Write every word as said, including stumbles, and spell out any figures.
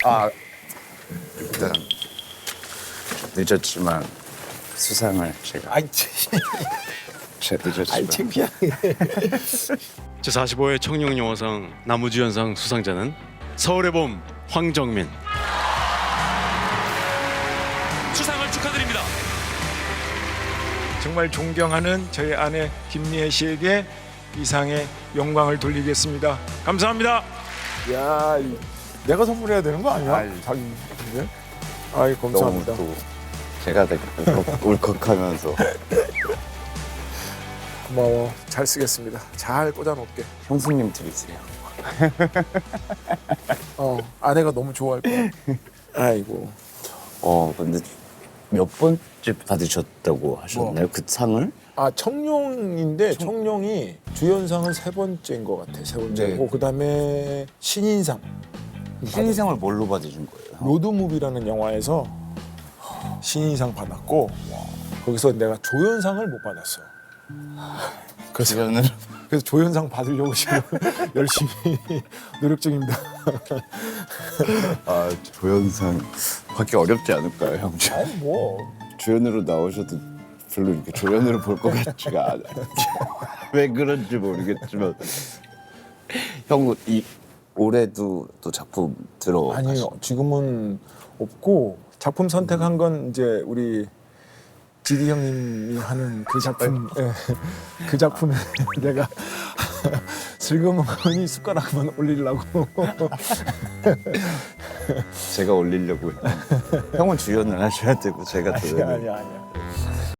아, 일단 늦었지만 수상을 제가 아이, 참. 제가 아이, 늦었지만 창피하게. 제사십오 회 청룡영화상 나무주연상 수상자는 서울의 봄 황정민. 수상을 축하드립니다. 정말 존경하는 저희 아내 김미애 씨에게 이상의 영광을 돌리겠습니다. 감사합니다. 야, 이, 내가 선물해야 되는 거 아니야? 아이. 자기. 근데? 아이, 너무 감사합니다. 또 제가 되게 울컥, 울컥하면서 고마워. 잘 쓰겠습니다. 잘 꽂아놓을게. 형수님 드리세요. 어, 아내가 너무 좋아할 거야. 아이고. 어, 근데 몇 번째 받으셨다고 하셨나요? 그 상을? 아, 청룡인데 청룡이 주연상은 세 번째인 것 같아. 세 번째고 네. 그다음에 신인상. 신인상을 뭘로 받으신 거예요? 로드무비라는 영화에서 신인상 받았고 거기서 내가 조연상을 못 받았어. 그래서, 주연을 그래서 조연상 받으려고 지금 열심히 노력 중입니다. 아, 조연상 받기 어렵지 않을까요, 형? 아니 뭐 주연으로 나오셔도 별로 이렇게 조연으로 볼 것 같지가 않아요. 왜 그런지 모르겠지만 형 이 올해도 또 작품 들어. 아니요 지금은 없고 작품 선택한 건 이제 우리 지디 형님이 하는 그 작품 예, 그 작품에 내가 슬그머니 숟가락만 올리려고. 제가 올리려고 했는데 형은 주연을 하셔야 되고 제가 또 아니야 아니야 아니야.